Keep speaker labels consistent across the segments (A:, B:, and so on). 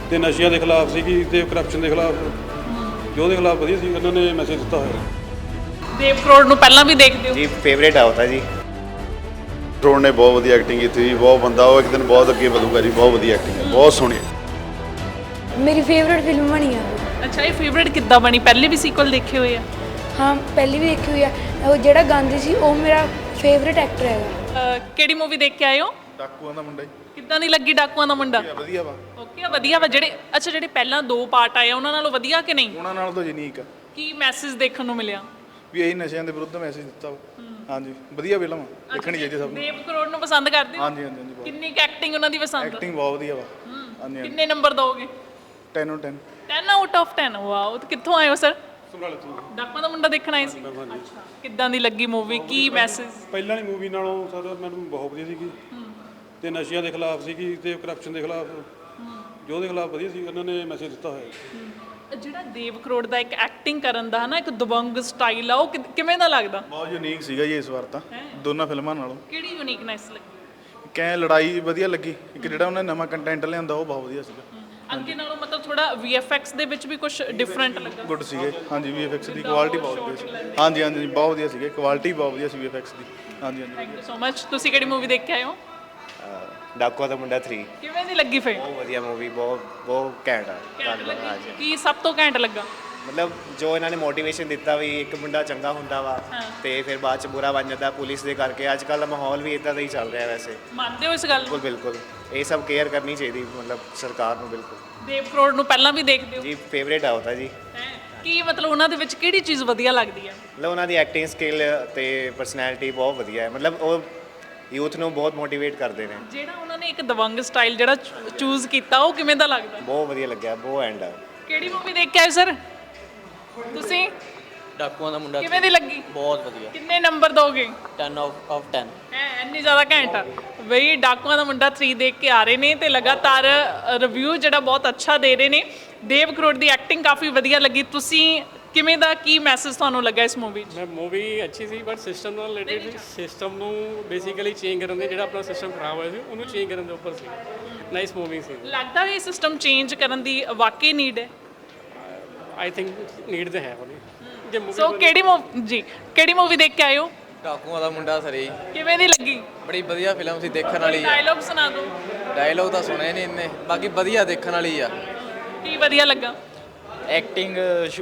A: ਤੇ ਨਸ਼ਿਆਂ ਦੇ ਖਿਲਾਫ ਸੀਗੀ ਤੇ ਕਰਪਸ਼ਨ ਦੇ ਖਿਲਾਫ ਜੋ ਉਹਦੇ ਖਿਲਾਫ ਵਧੀਆ ਸੀ ਉਹਨਾਂ ਨੇ ਮੈਸੇਜ ਦਿੱਤਾ ਹੋਇਆ।
B: ਦੇਵ ਕਰੋੜ ਨੂੰ ਪਹਿਲਾਂ ਵੀ ਦੇਖਦੇ ਹੋ?
C: ਜੀ ਫੇਵਰੇਟ ਆ ਉਹਦਾ ਜੀ।
D: ਕਰੋੜ ਨੇ ਬਹੁਤ ਵਧੀਆ ਐਕਟਿੰਗ ਕੀਤੀ ਜੀ, ਬਹੁਤ ਬੰਦਾ ਉਹ ਇੱਕ ਦਿਨ ਬਹੁਤ ਅੱਗੇ ਵਧੂਗਾ ਜੀ, ਬਹੁਤ ਵਧੀਆ ਐਕਟਿੰਗ ਹੈ, ਬਹੁਤ ਸੋਹਣੀ।
E: ਮੇਰੀ ਫੇਵਰਟ ਫਿਲਮ ਬਣੀ ਆ।
B: ਅੱਛਾ, ਇਹ ਫੇਵਰੇਟ ਕਿੱਦਾਂ ਬਣੀ? ਪਹਿਲੇ ਵੀ ਸੀਕੁਅਲ ਦੇਖੇ ਹੋਏ ਆ?
E: ਹਾਂ, ਪਹਿਲੀ ਵੀ ਦੇਖੀ ਹੋਈ ਆ। ਉਹ ਜਿਹੜਾ ਗਾਂਧੀ ਸੀ ਉਹ ਮੇਰਾ ਫੇਵਰਟ ਐਕਟਰ ਹੈਗਾ।
B: ਕਿਹੜੀ ਮੂਵੀ ਦੇਖ ਕੇ ਆਏ ਹੋ?
D: ਡਾਕੂਆਂ ਦਾ ਮੁੰਡਾ ਜੀ
B: ਕਿੱਦਾਂ ਦੀ ਲੱਗੀ ਡਾਕੂਆਂ ਦਾ ਮੁੰਡਾ?
D: ਵਧੀਆ ਵਾ,
B: ਓਕੇ, ਵਧੀਆ ਵਾ। ਜਿਹੜੇ ਪਹਿਲਾਂ 2 ਪਾਰਟ ਆਏ ਆ, ਉਹਨਾਂ ਨਾਲੋਂ ਵਧੀਆ ਕਿ ਨਹੀਂ?
D: ਉਹਨਾਂ ਨਾਲ ਤਾਂ ਯੂਨੀਕ ਆ
B: ਕੀ ਮੈਸੇਜ ਦੇਖਣ ਨੂੰ ਮਿਲਿਆ?
D: ਵੀ ਇਹੀ ਨਸ਼ਿਆਂ ਦੇ ਵਿਰੁੱਧ ਮੈਸੇਜ ਦਿੱਤਾ ਵਾ। ਹਾਂਜੀ, ਵਧੀਆ ਫਿਲਮ ਆ, ਦੇਖਣੀ ਚਾਹੀਦੀ ਸਭ ਨੂੰ।
B: ਦੇਵ ਕਰੋੜ ਨੂੰ ਪਸੰਦ ਕਰਦੇ ਹੋ?
D: ਹਾਂਜੀ ਹਾਂਜੀ ਹਾਂਜੀ,
B: ਕਿੰਨੀ ਕੁ ਐਕਟਿੰਗ ਉਹਨਾਂ ਦੀ ਪਸੰਦ?
D: ਐਕਟਿੰਗ ਬਹੁਤ ਵਧੀਆ ਵਾ। ਹਾਂਜੀ ਹਾਂਜੀ,
B: ਕਿੰਨੇ ਨੰਬਰ ਦੋਗੇ?
D: 10 out 10।
B: 10 out of 10। ਵਾਓ, ਤੇ ਕਿੱਥੋਂ ਆਏ ਹੋ ਸਰ?
A: ਸਮਰਾਲੇ ਤੋਂ
B: ਡਾਕੂਆਂ ਦਾ ਮੁੰਡਾ ਦੇਖਣ ਆਏ ਸੀ? ਅੱਛਾ, ਕਿੱਦਾਂ ਦੀ ਲੱਗੀ ਮੂਵੀ? ਕੀ ਮੈਸੇਜ?
A: ਪਹਿਲਾਂ ਵਾਲੀ ਮੂਵੀ ਨਾਲੋਂ ਸਰ ਮੈਨੂੰ ਬਹੁਤ ਵਧੀਆ ਸੀਗੀ ਤੇ ਨਸ਼ਿਆਂ ਦੇ ਖਿਲਾਫ ਸੀਗੀ ਤੇ ਕਰਪਸ਼ਨ ਦੇ ਖਿਲਾਫ ਜੋ ਉਹਦੇ ਖਿਲਾਫ ਵਧੀਆ ਸੀ ਉਹਨਾਂ ਨੇ ਮੈਸੇਜ ਦਿੱਤਾ ਹੋਇਆ।
B: ਜਿਹੜਾ ਦੇਵ ਕਰੋੜ ਦਾ ਇੱਕ ਐਕਟਿੰਗ ਕਰਨ ਦਾ ਹਨਾ, ਇੱਕ ਦਬੰਗ ਸਟਾਈਲ ਆ, ਉਹ ਕਿਵੇਂ ਦਾ ਲੱਗਦਾ?
D: ਬਹੁਤ ਯੂਨੀਕ ਸੀਗਾ ਜੀ ਇਸ ਵਾਰ ਤਾਂ ਦੋਨਾਂ ਫਿਲਮਾਂ ਨਾਲੋਂ।
B: ਕਿਹੜੀ ਯੂਨੀਕਨੈਸ ਲੱਗੀ?
D: ਕਹਿ ਲੜਾਈ ਵਧੀਆ ਲੱਗੀ, ਇੱਕ ਜਿਹੜਾ ਉਹਨੇ ਨਵਾਂ ਕੰਟੈਂਟ ਲਿਆਂਦਾ ਉਹ ਬਹੁਤ ਵਧੀਆ ਸੀਗਾ।
B: ਅੱਗੇ ਨਾਲੋਂ ਮਤਲਬ ਥੋੜਾ VFX ਦੇ ਵਿੱਚ ਵੀ ਕੁਝ ਡਿਫਰੈਂਟ ਲੱਗਾ?
D: ਗੁੱਡ ਸੀਗੇ ਹਾਂਜੀ, VFX ਦੀ ਕੁਆਲਿਟੀ ਬਹੁਤ ਵਧੀਆ ਸੀ। ਹਾਂਜੀ ਹਾਂਜੀ, ਬਹੁਤ ਵਧੀਆ ਸੀਗੇ, ਕੁਆਲਿਟੀ ਬਹੁਤ ਵਧੀਆ ਸੀ VFX ਦੀ। ਹਾਂਜੀ ਹਾਂਜੀ,
B: ਥੈਂਕ ਯੂ ਸੋ ਮਚ। ਤੁਸੀਂ ਕਿਹੜੀ ਮੂਵੀ ਦੇਖ ਕੇ ਆਏ ਹੋ?
C: ਡਾਕੂਆਂ ਦਾ ਮੁੰਡਾ 3
B: ਕਿਵੇਂ ਦੀ ਲੱਗੀ ਫਿਰ?
C: ਬਹੁਤ ਵਧੀਆ ਮੂਵੀ, ਬਹੁਤ ਬਹੁਤ ਘੈਂਟ ਆ। ਹਾਂਜੀ,
B: ਕੀ ਸਭ ਤੋਂ ਘੈਂਟ ਲੱਗਾ?
C: ਮਤਲਬ ਜੋ ਇਹਨਾਂ ਨੇ ਮੋਟੀਵੇਸ਼ਨ ਦਿੱਤਾ ਵੀ ਇੱਕ ਮੁੰਡਾ ਚੰਗਾ ਹੁੰਦਾ ਵਾ ਤੇ ਫਿਰ ਬਾਅਦ ਚ ਬੁਰਾ ਬਣ ਜਾਂਦਾ ਪੁਲਿਸ ਦੇ ਕਰਕੇ। ਅੱਜ ਕੱਲ੍ਹ ਦਾ ਮਾਹੌਲ ਵੀ ਇਦਾਂ ਦਾ ਹੀ ਚੱਲ ਰਿਹਾ ਵੈਸੇ।
B: ਮੰਨਦੇ ਹੋ ਇਸ ਗੱਲ ਨੂੰ?
C: ਬਿਲਕੁਲ ਇਹ ਸਭ ਕੇਅਰ ਕਰਨੀ ਚਾਹੀਦੀ ਮਤਲਬ ਸਰਕਾਰ ਨੂੰ। ਬਿਲਕੁਲ
B: ਦੇਵ ਕਰੋੜ ਨੂੰ ਪਹਿਲਾਂ ਵੀ ਦੇਖਦੇ ਹੋ?
C: ਜੀ ਫੇਵਰੇਟ ਆ ਉਹਦਾ ਜੀ।
B: ਕੀ ਮਤਲਬ ਉਹਨਾਂ ਦੇ ਵਿੱਚ ਕਿਹੜੀ ਚੀਜ਼ ਵਧੀਆ ਲੱਗਦੀ ਹੈ?
C: ਮਤਲਬ ਉਹਨਾਂ ਦੀ ਐਕਟਿੰਗ ਸਕਿੱਲ ਤੇ ਪਰਸਨੈਲਿਟੀ ਬਹੁਤ ਵਧੀਆ ਹੈ। ਮਤਲਬ ਉਹ ਯੂਥ ਨੂੰ ਬਹੁਤ ਮੋਟੀਵੇਟ ਕਰਦੇ ਨੇ।
B: ਜਿਹੜਾ ਉਹਨਾਂ ਨੇ ਇੱਕ ਦਵੰਗ ਸਟਾਈਲ ਜਿਹੜਾ ਚੂਜ਼ ਕੀਤਾ, ਉਹ ਕਿਵੇਂ ਦਾ ਲੱਗਦਾ?
C: ਬਹੁਤ ਵਧੀਆ ਲੱਗਿਆ, ਬਹੁਤ ਐਂਡ ਆ।
B: ਕਿਹੜੀ ਮੂਵੀ ਦੇਖ ਕੇ ਆਏ ਸਰ ਤੁਸੀਂ?
F: ਡਾਕੂਆਂ ਦਾ ਮੁੰਡਾ
B: ਕਿਵੇਂ ਦੀ ਲੱਗੀ?
F: ਬਹੁਤ ਵਧੀਆ।
B: ਕਿੰਨੇ ਨੰਬਰ ਦੋਗੇ?
F: 10 ਆਫ 10।
B: ਇੰਨੀ ਜ਼ਿਆਦਾ ਘੈਂਟ ਆ ਬਈ। ਡਾਕੂਆਂ ਦਾ ਮੁੰਡਾ 3 ਦੇਖ ਕੇ ਆ ਰਹੇ ਨੇ ਤੇ ਲਗਾਤਾਰ ਰਿਵਿਊ ਜਿਹੜਾ ਬਹੁਤ ਅੱਛਾ ਦੇ ਰਹੇ ਨੇ। ਦੇਵ ਕਰੋੜ ਦੀ ਐਕਟਿੰਗ ਕਾਫੀ ਵਧੀਆ ਲੱਗੀ। ਤੁਸੀਂ ਕਿਵੇਂ ਦਾ, ਕੀ ਮੈਸੇਜ ਤੁਹਾਨੂੰ ਲੱਗਾ ਇਸ ਮੂਵੀ 'ਚ?
G: ਮੈਂ ਮੂਵੀ ਅੱਛੀ ਸੀ ਬਟ ਸਿਸਟਮ ਨਾਲ ਰਿਲੇਟਡ, ਸਿਸਟਮ ਨੂੰ ਬੇਸਿਕਲੀ ਚੇਂਜ ਕਰਨ ਦੇ, ਜਿਹੜਾ ਆਪਣਾ ਸਿਸਟਮ ਖਰਾਬ ਹੋਇਆ ਸੀ ਉਹਨੂੰ ਚੇਂਜ ਕਰਨ ਦੇ ਉੱਪਰ ਸੀ। ਨਾਈਸ ਮੂਵੀ ਸੀ।
B: ਲੱਗਦਾ ਵੀ ਇਹ ਸਿਸਟਮ ਚੇਂਜ ਕਰਨ ਦੀ ਵਾਕਈ ਨੀਡ ਹੈ?
G: ਆਈ ਥਿੰਕ ਨੀਡ ਤਾਂ ਹੈ ਉਹਦੀ। ਜੇ ਮੂਵੀ
B: ਸੋ ਕਿਹੜੀ ਮੂਵੀ ਦੇਖ ਕੇ ਆਏ ਹੋ?
F: ਡਾਕੂਆਂ ਦਾ ਮੁੰਡਾ ਸਰੀ
B: ਕਿਵੇਂ ਦੀ ਲੱਗੀ?
F: ਬੜੀ ਵਧੀਆ ਫਿਲਮ ਸੀ, ਦੇਖਣ ਵਾਲੀ ਆ।
B: ਡਾਇਲੌਗ ਸੁਣਾ ਦਿਓ।
F: ਡਾਇਲੋਗ ਤਾਂ ਸੁਣੇ ਨਹੀਂ ਇੰਨੇ, ਬਾਕੀ ਵਧੀਆ ਦੇਖਣ ਵਾਲੀ ਆ।
B: ਕੀ ਵਧੀਆ ਲੱਗਾ?
H: ਐਕਟਿੰਗ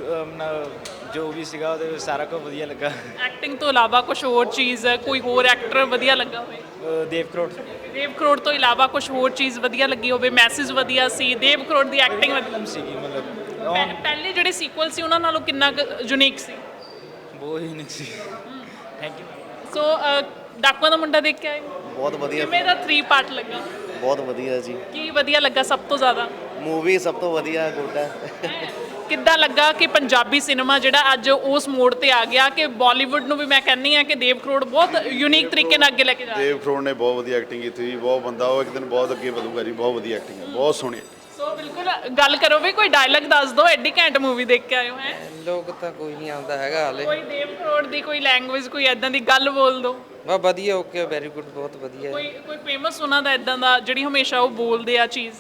H: ਜੋ ਵੀ ਸੀਗਾ ਉਹਦੇ ਸਾਰਾ ਕੁਝ ਵਧੀਆ ਲੱਗਾ।
B: ਐਕਟਿੰਗ ਤੋਂ ਇਲਾਵਾ ਕੁਝ ਹੋਰ ਚੀਜ਼, ਕੋਈ ਹੋਰ ਐਕਟਰ ਵਧੀਆ ਲੱਗਾ ਹੋਵੇ?
H: ਦੇਵ ਕਰੋੜ।
B: ਦੇਵ ਕਰੋੜ ਤੋਂ ਇਲਾਵਾ ਕੁਝ ਹੋਰ ਚੀਜ਼ ਵਧੀਆ ਲੱਗੀ ਹੋਵੇ? ਮੈਸੇਜ ਵਧੀਆ ਸੀ? ਦੇਵ ਕਰੋੜ ਦੀ ਐਕਟਿੰਗ ਵਧੀਆ
H: ਸੀਗੀ ਮਤਲਬ
B: ਪਹਿਲੇ ਜਿਹੜੇ ਸੀਕੁਅਲ ਸੀ ਉਹਨਾਂ ਨਾਲੋਂ ਕਿੰਨਾ ਯੂਨੀਕ ਸੀ?
H: ਬਹੁਤ ਹੀ ਨਿਕ ਸੀ। Thank you.
B: ਸੋ ਡਾਕੂਆਂ ਦਾ ਮੁੰਡਾ ਦੇਖ ਕੇ ਆਏ?
C: ਬਹੁਤ ਵਧੀਆ,
B: ਕਿਵੇਂ ਦਾ 3 ਪਾਰਟ ਲੱਗਾ?
C: ਬਹੁਤ ਵਧੀਆ ਜੀ।
B: ਕੀ ਵਧੀਆ ਲੱਗਾ ਸਭ ਤੋਂ ਜ਼ਿਆਦਾ?
C: ਮੂਵੀ ਸਭ ਤੋਂ ਵਧੀਆ ਗੁੱਡ ਹੈ।
B: ਕਿੱਦਾਂ ਲੱਗਾ ਕਿ ਪੰਜਾਬੀ ਸਿਨੇਮਾ ਜਿਹੜਾ ਅੱਜ ਉਸ ਮੋੜ ਤੇ ਆ ਗਿਆ ਕਿ ਬਾਲੀਵੁੱਡ ਨੂੰ ਵੀ ਮੈਂ ਕਹਿੰਦੀ ਆ ਕਿ ਦੇਵ ਕਰੋੜ ਬਹੁਤ ਯੂਨੀਕ ਤਰੀਕੇ ਨਾਲ ਅੱਗੇ ਲੈ ਕੇ ਜਾ ਰਿਹਾ?
D: ਦੇਵ ਕਰੋੜ ਨੇ ਬਹੁਤ ਵਧੀਆ ਐਕਟਿੰਗ ਕੀਤੀ ਜੀ, ਬਹੁਤ ਬੰਦਾ ਉਹ ਇੱਕ ਦਿਨ ਬਹੁਤ ਅੱਗੇ ਵਧੂਗਾ ਜੀ, ਬਹੁਤ ਵਧੀਆ ਐਕਟਿੰਗ ਹੈ, ਬਹੁਤ ਸੋਹਣੀ।
B: ਸੋ ਬਿਲਕੁਲ ਗੱਲ ਕਰੋ ਵੀ ਕੋਈ ਡਾਇਲੌਗ ਦੱਸ ਦਿਓ, ਐਡੀ ਘੈਂਟ ਮੂਵੀ ਦੇਖ ਕੇ ਆਏ ਹੋ। ਹੈ
F: ਲੋਕ ਤਾਂ ਕੋਈ ਨਹੀਂ ਆਉਂਦਾ ਹੈਗਾ ਹਾਲੇ।
B: ਕੋਈ ਦੇਵ ਕਰੋੜ ਦੀ ਕੋਈ ਲੈਂਗੁਏਜ, ਕੋਈ ਐਦਾਂ ਦੀ ਗੱਲ ਬੋਲ ਦਿਓ।
F: ਬਸ ਵਧੀਆ, ਓਕੇ, ਵੈਰੀ ਗੁੱਡ, ਬਹੁਤ ਵਧੀਆ।
B: ਕੋਈ ਫੇਮਸ ਉਹਨਾਂ ਦਾ ਐਦਾਂ ਦਾ ਜਿਹੜੀ ਹਮੇਸ਼ਾ ਉਹ ਬੋਲਦੇ ਆ ਚੀਜ਼?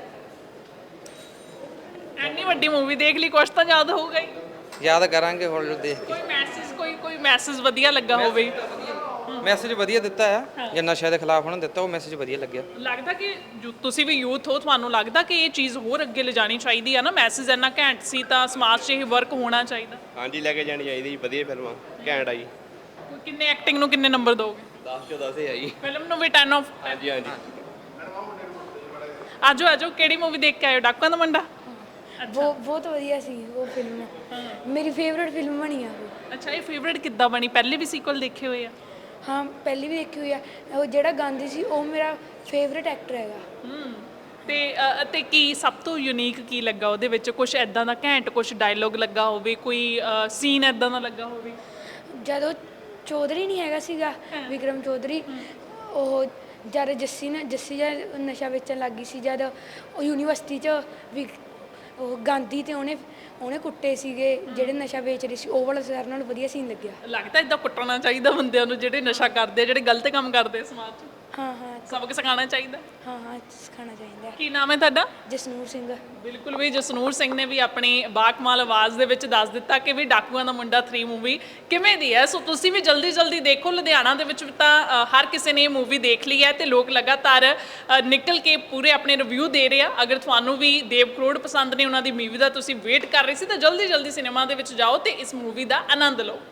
B: ਐਨੀ ਵੱਡੀ ਮੂਵੀ ਦੇਖ ਲਈ, ਕੁਛ ਤਾਂ ਯਾਦ ਹੋਊਗਾ ਹੀ।
F: ਯਾਦ ਕਰਾਂਗੇ ਹੁਣ ਜੋ ਦੇਖ ਕੇ।
B: ਕੋਈ ਮੈਸੇਜ ਵਧੀਆ ਲੱਗਾ ਹੋਵੇ?
F: ਮੈਸੇਜ ਵਧੀਆ ਦਿੱਤਾ ਆ, ਜੇ ਨਸ਼ਿਆਂ ਦੇ ਖਿਲਾਫ ਉਹਨਾਂ ਦਿੱਤਾ, ਉਹ ਮੈਸੇਜ ਵਧੀਆ ਲੱਗਿਆ।
B: ਲੱਗਦਾ ਕਿ ਤੁਸੀਂ ਵੀ ਯੂਥ ਹੋ, ਤੁਹਾਨੂੰ ਲੱਗਦਾ ਕਿ ਇਹ ਚੀਜ਼ ਹੋਰ ਅੱਗੇ ਲਿਜਾਣੀ ਚਾਹੀਦੀ ਆ ਨਾ? ਮੈਸੇਜ ਇੰਨਾ ਘੈਂਟ ਸੀ ਤਾਂ ਸਮਾਜ 'ਚ ਇਹ ਵਰਕ ਹੋਣਾ ਚਾਹੀਦਾ।
I: ਹਾਂਜੀ, ਲੈ ਕੇ ਜਾਣੀ ਚਾਹੀਦੀ ਜੀ, ਵਧੀਆ ਫਿਲਮਾਂ ਘੈਂਟ ਆ ਜੀ।
B: ਕਿੰਨੇ ਐਕਟਿੰਗ ਨੂੰ ਕਿੰਨੇ ਨੰਬਰ ਦੋਗੇ?
I: 10 ਚੋਂ 10 ਹੈ ਜੀ।
B: ਫਿਲਮ ਨੂੰ ਵੀ 10 ਆਫ?
I: ਹਾਂਜੀ ਹਾਂਜੀ।
B: ਆਜੋ ਕਿਹੜੀ ਮੂਵੀ ਦੇਖ ਕੇ ਆਏ ਹੋ? ਡਾਕੂਆਂ ਦਾ ਮੁੰਡਾ?
E: ਬਹੁਤ ਵਧੀਆ ਸੀ ਉਹ ਫਿਲਮ, ਮੇਰੀ ਫੇਵਰਟ ਫਿਲਮ ਬਣੀ ਆ ਉਹ।
B: ਅੱਛਾ, ਇਹ ਫੇਵਰੇਟ ਕਿੱਦਾਂ ਬਣੀ? ਪਹਿਲੇ ਵੀ ਸੀਕੁਅਲ ਦੇਖੇ ਹੋਏ ਆ?
E: ਹਾਂ, ਪਹਿਲੀ ਵੀ ਦੇਖੀ ਹੋਈ ਆ। ਉਹ ਜਿਹੜਾ ਗਾਂਧੀ ਸੀ ਉਹ ਮੇਰਾ ਫੇਵਰਟ ਐਕਟਰ ਹੈਗਾ।
B: ਤੇ ਕੀ ਸਭ ਤੋਂ ਯੂਨੀਕ ਕੀ ਲੱਗਾ ਉਹਦੇ ਵਿੱਚ? ਕੁਝ ਐਦਾਂ ਦਾ ਘੈਂਟ, ਕੁਝ ਡਾਇਲੋਗ ਲੱਗਾ ਹੋਵੇ, ਕੋਈ ਸੀਨ ਐਦਾਂ ਦਾ ਲੱਗਾ ਹੋਵੇ?
E: ਜਦੋਂ ਚੌਧਰੀ ਨਹੀਂ ਹੈਗਾ ਸੀਗਾ, ਵਿਕਰਮ ਚੌਧਰੀ, ਉਹ ਜਦ ਜੱਸੀ ਜਦ ਨਸ਼ਾ ਵੇਚਣ ਲੱਗ ਗਈ ਸੀ, ਜਦ ਉਹ ਯੂਨੀਵਰਸਿਟੀ 'ਚ ਵੀ ਉਹ ਗਾਂਧੀ ਤੇ ਉਹਨੇ ਕੁੱਟੇ ਸੀਗੇ ਜਿਹੜੇ ਨਸ਼ਾ ਵੇਚ ਰਹੇ ਸੀ, ਉਹ ਵਾਲਾ ਸਾਰਿਆਂ ਨਾਲੋਂ ਵਧੀਆ ਸੀਨ ਲੱਗਿਆ।
B: ਲੱਗਦਾ ਇਦਾਂ ਕੁੱਟਣਾ ਚਾਹੀਦਾ ਬੰਦਿਆਂ ਨੂੰ ਜਿਹੜੇ ਨਸ਼ਾ ਕਰਦੇ, ਜਿਹੜੇ ਗਲਤ ਕੰਮ ਕਰਦੇ ਸਮਾਜ 'ਚ?
E: ਹਾਂ ਹਾਂ
B: ਸਬਕ ਸਿਖਾਉਣਾ ਚਾਹੀਦਾ।
E: ਹਾਂ ਹਾਂ ਸਿਖਾਉਣਾ ਚਾਹੀਦਾ।
B: ਕੀ ਨਾਮ ਹੈ ਤੁਹਾਡਾ?
E: ਜਸਨੂਰ ਸਿੰਘ।
B: ਬਿਲਕੁਲ ਵੀ ਜਸਨੂਰ ਸਿੰਘ ਨੇ ਵੀ ਆਪਣੀ ਬਾਕਮਾਲ ਆਵਾਜ਼ ਦੇ ਵਿੱਚ ਦੱਸ ਦਿੱਤਾ ਕਿ ਵੀ ਡਾਕੂਆਂ ਦਾ ਮੁੰਡਾ 3 ਮੂਵੀ ਕਿਵੇਂ ਦੀ ਹੈ। ਸੋ ਤੁਸੀਂ ਵੀ ਜਲਦੀ ਜਲਦੀ ਦੇਖੋ। ਲੁਧਿਆਣਾ ਦੇ ਵਿੱਚ ਤਾਂ ਹਰ ਕਿਸੇ ਨੇ ਇਹ ਮੂਵੀ ਦੇਖ ਲਈ ਹੈ ਤੇ ਲੋਕ ਲਗਾਤਾਰ ਨਿਕਲ ਕੇ ਪੂਰੇ ਆਪਣੇ ਰਿਵਿਊ ਦੇ ਰਹੇ ਆ। ਅਗਰ ਤੁਹਾਨੂੰ ਵੀ ਦੇਵ ਕਰੋੜ ਪਸੰਦ ਨੇ, ਉਹਨਾਂ ਦੀ ਮੂਵੀ ਦਾ ਤੁਸੀਂ ਵੇਟ ਕਰ ਰਹੇ ਸੀ, ਤਾਂ ਜਲਦੀ ਜਲਦੀ ਸਿਨੇਮਾ ਦੇ ਵਿੱਚ ਜਾਓ ਤੇ ਇਸ ਮੂਵੀ ਦਾ ਆਨੰਦ ਲਓ।